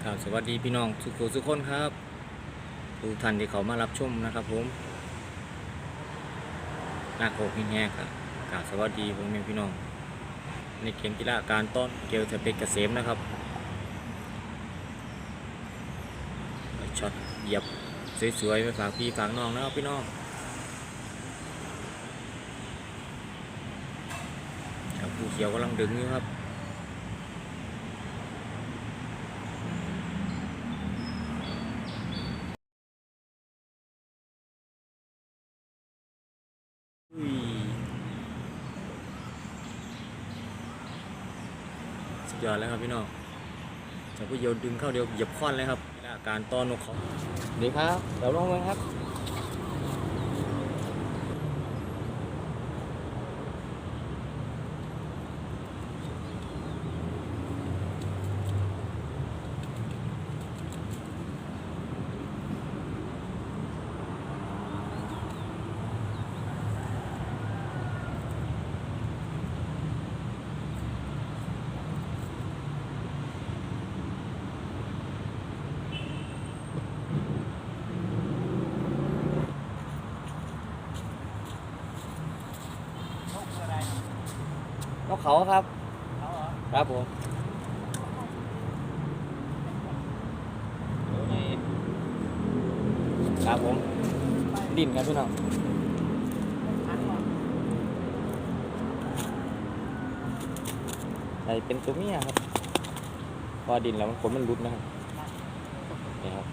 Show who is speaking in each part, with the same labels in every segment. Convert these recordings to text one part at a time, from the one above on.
Speaker 1: ครับสวัสดีพี่น้องทุกคนครับทุกท่านที่เขามารับชมนะครับผมหน้าโคกแห้งๆครับกราบสวัสดีผมเป็นพี่น้องในเกมกีฬาการต้อนเกลเทเป็กเกษมนะครับช็อตเหยียบสวยๆไปฝากพี่ฝากน้องนะครับพี่น้องครับผู้เขียวกำลังดึงอยู่ครับสุดยอดแล้วครับพี่น้องจากผู้เขียวดึงเข้าเดียวเหยียบค้อนเลยครับการต้อนนกเขาดีครับเดี๋ยวลงเลยครับนกเขาครับครับผมครับผมดินครับพี่น้องใส่เป็นตัวเมียครับพอดินแล้วมันขนมันรุดนะครับนี่ครับ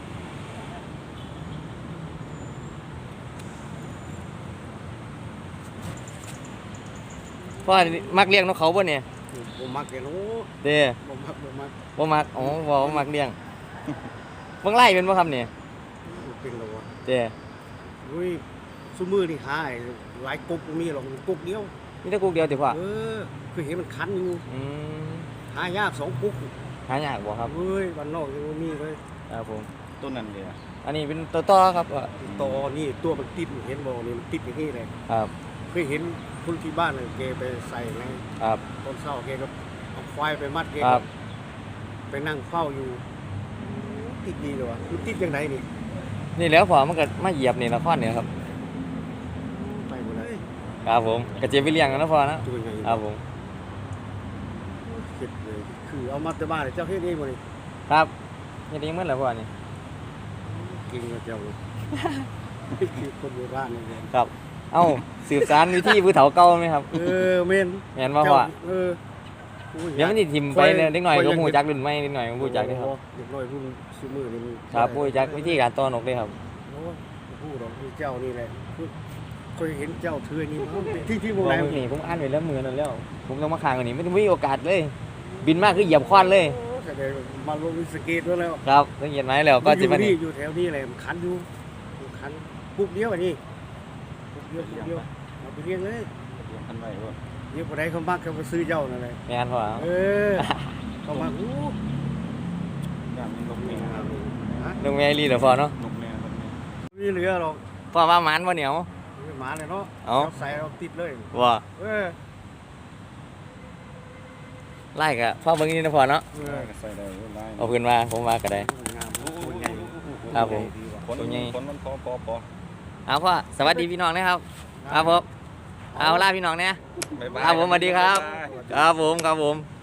Speaker 1: พ่อมักเลี้ยงนกเขาบ่เนี่ย
Speaker 2: บ่มักเลยโอ้
Speaker 1: เด้บ่มักอ๋อบ่มักเลี้ยงเบิ่งไล่เป็นบ่ครับเนี่ย
Speaker 2: เป็นแล้ววะ
Speaker 1: เด้
Speaker 2: อุ้ยซุมื้อนี่หาหลายกุ๊กมีหรอกกุ๊กเดียว
Speaker 1: มีแต่กุ๊กเดียวติพ่อ
Speaker 2: คือเห็นมันคันอยู่หายาก2กุ๊ก
Speaker 1: หายากบ่ครับ
Speaker 2: เฮ้ยบ้านนอกยังบ่มีเลย
Speaker 1: ครับผม
Speaker 2: ต้นนั้นเลย
Speaker 1: อันนี้เป็นตัวต่อครับ
Speaker 2: ต่อนี่ตัวมันติดเห็นบ่นี่มันติดอย่างนี้เลย
Speaker 1: ครับ
Speaker 2: เคยเห็นคนที่บ้านแกไปใส่ใน
Speaker 1: ครับ
Speaker 2: ต้นเศร้าแกก็เอาควายไปมัดแกไปนั่งเฝ้าอยู่ติดดีเลยวะมันติดยังไงนี่
Speaker 1: นี่แล้วพอมันก็มาเหยียบนี่ละครเนี่ยครับ
Speaker 2: ไปหมดเลย
Speaker 1: ครับผมกระเจี๊ยบไปเลี้ยงกันนะพอนะครับผม
Speaker 2: เก็บเลยคือเอามาแต่บ้านเจ้าเฮ็ดเองหมดเลย
Speaker 1: ครับเฮ็ดเองหมดแล้วพอนี่
Speaker 2: กินกับเจ้าคือคนโบราณนี่
Speaker 1: ครับเอ้าสืบสานวิธีผู้เฒ่าเก่าไหมครับ
Speaker 2: แม่น
Speaker 1: แม่นบ่พ่อเดี๋ยวมันสิทิ่มไปเล็กน้อยก็ฮู้จักรุ่นใหม่นิดหน่อยก็ฮู้จักเด้ครับ
Speaker 2: เด็กน้อยรุ่นซุมื้อนี่
Speaker 1: ครับฮู้จักวิธีการต้อนนกเด้ครับ
Speaker 2: โอ้ฮู้ดอกเจ้านี่แหละเคยเห็นเจ้าถือนี่ที่วงไหน
Speaker 1: นี่ผมอ่านไว้แล้วมือนั่นแล้วผมต้องมาค้างอันนี้ไม่มีโอกาสเลยบินมากคือเหยียบค้อนเลย
Speaker 2: มาลงสเก็ตแล้ว
Speaker 1: ครับต้องเหยียบไม้แล้วก็สิมา
Speaker 2: นี่อยู่แถวนี้แหละคันอยู่คันปุ๊บเดียวอันนี้ปุ๊บเดียวเอาไปเลี้ยงเลย
Speaker 1: คันไว้บ่
Speaker 2: เดี๋ยวผู้ใดเขามักเขาไปซื้อเจ้านั่นแหละ
Speaker 1: แม่นพ่อ
Speaker 2: เขามัก
Speaker 1: นกแม่ลีเด้อพ่อเนาะ
Speaker 2: มีเหลือหรอก
Speaker 1: พ่อว่าหมานบ่เหนียว
Speaker 2: หมาเลยเนาะใส่เราติดเลย
Speaker 1: ว่าไล่กะพ่อเบิ่งนี่นะพ่อเนาะเอาขึ้นมาผมมาก็ได้ครับผมตัวใหญ่เอาพ่อสวัสดีพี่น้องนะครับครับผมเอาล่าพี่น้องเนี่ยครับผมสวัสดีครับครับผม